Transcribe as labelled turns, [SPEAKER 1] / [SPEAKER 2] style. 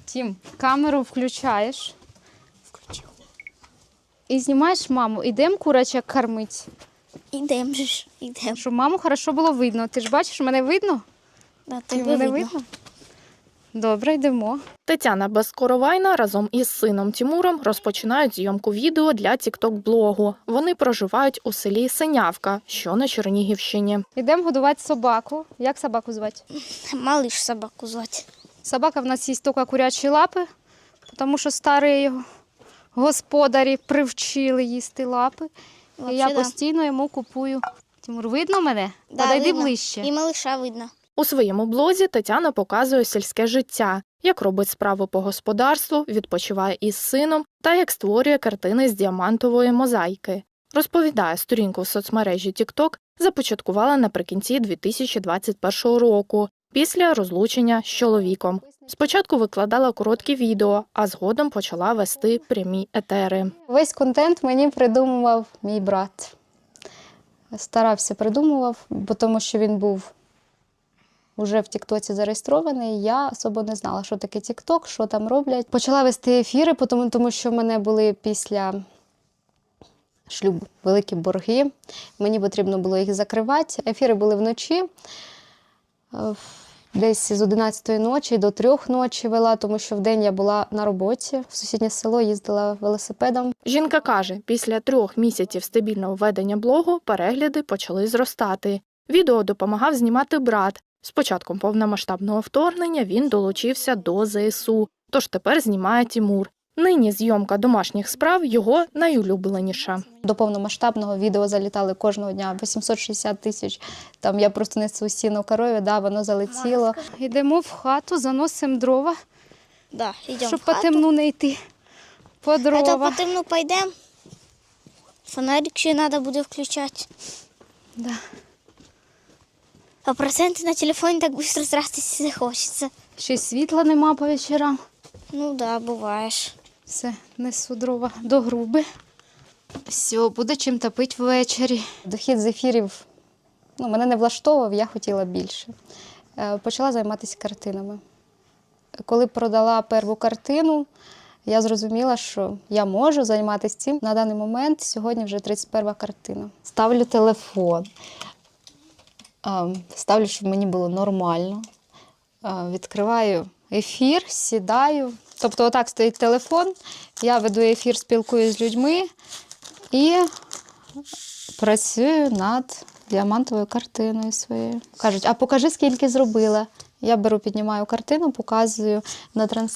[SPEAKER 1] Тім, камеру включаєш.
[SPEAKER 2] Включив.
[SPEAKER 1] І знімаєш маму. Ідемо курочок кормити.
[SPEAKER 2] Ідемо ж, ідемо.
[SPEAKER 1] Щоб маму хорошо було видно. Ти ж бачиш, мене видно?
[SPEAKER 2] Да,
[SPEAKER 1] Тім,
[SPEAKER 2] тебе
[SPEAKER 1] мене
[SPEAKER 2] видно.
[SPEAKER 1] Добре, йдемо.
[SPEAKER 3] Тетяна Безкоровайна разом із сином Тімуром розпочинають зйомку відео для тікток-блогу. Вони проживають у селі Синявка, що на Чернігівщині.
[SPEAKER 1] Йдемо годувати собаку. Як собаку звати?
[SPEAKER 2] Малиш собаку звати.
[SPEAKER 1] Собака в нас їсть тільки курячі лапи, тому що старі його господарі привчили їсти лапи. І я постійно йому купую. Тимур, видно мене?
[SPEAKER 2] Да,
[SPEAKER 1] Подойди
[SPEAKER 2] видно.
[SPEAKER 1] ближче.
[SPEAKER 2] І малиша видно.
[SPEAKER 3] У своєму блозі Тетяна показує сільське життя, як робить справи по господарству, відпочиває із сином та як створює картини з діамантової мозаїки. Розповідає, сторінку в соцмережі TikTok започаткувала наприкінці 2021 року, після розлучення з чоловіком. Спочатку викладала короткі відео, а згодом почала вести прямі етери.
[SPEAKER 1] Весь контент мені придумував мій брат. Старався придумував, бо тому що він був уже в Тіктоці зареєстрований. Я особо не знала, що таке Тікток, що там роблять. Почала вести ефіри, тому що в мене були після шлюбу великі борги. Мені потрібно було їх закривати. Ефіри були вночі. Десь з 11-ї ночі до 3 ночі вела, тому що вдень я була на роботі. В сусіднє село їздила велосипедом.
[SPEAKER 3] Жінка каже, після 3 місяців стабільного ведення блогу перегляди почали зростати. Відео допомагав знімати брат. З початком повномасштабного вторгнення він долучився до ЗСУ, тож тепер знімає Тімур. Нині зйомка домашніх справ – його найулюбленіша.
[SPEAKER 1] До повномасштабного відео залітали кожного дня 860 тисяч. Там я просто несу сіно корові, да, воно залетіло. Йдемо в хату, заносимо дрова,
[SPEAKER 2] Да, йдемо
[SPEAKER 1] щоб
[SPEAKER 2] в
[SPEAKER 1] по
[SPEAKER 2] хату.
[SPEAKER 1] темну не йти. По
[SPEAKER 2] А то
[SPEAKER 1] дрова.
[SPEAKER 2] по темну пойдемо. Фонарик ще треба буде включати.
[SPEAKER 1] Да.
[SPEAKER 2] А проценти на телефоні так швидко тратити не хочеться.
[SPEAKER 1] Ще й світла нема по вечорам.
[SPEAKER 2] Ну да, буваєш.
[SPEAKER 1] Все, несу дрова до груби. Все, буде чим топити ввечері. Дохід з ефірів мене не влаштовував, я хотіла більше. Почала займатися картинами. Коли продала першу картину, я зрозуміла, що я можу займатися цим. На даний момент сьогодні вже 31-ва картина. Ставлю телефон. Ставлю, щоб мені було нормально. Відкриваю ефір, сідаю. Тобто отак стоїть телефон, я веду ефір, спілкуюся з людьми і працюю над діамантовою картиною своєю. Кажуть, а покажи, скільки зробила. Я беру, піднімаю картину, показую на трансляції.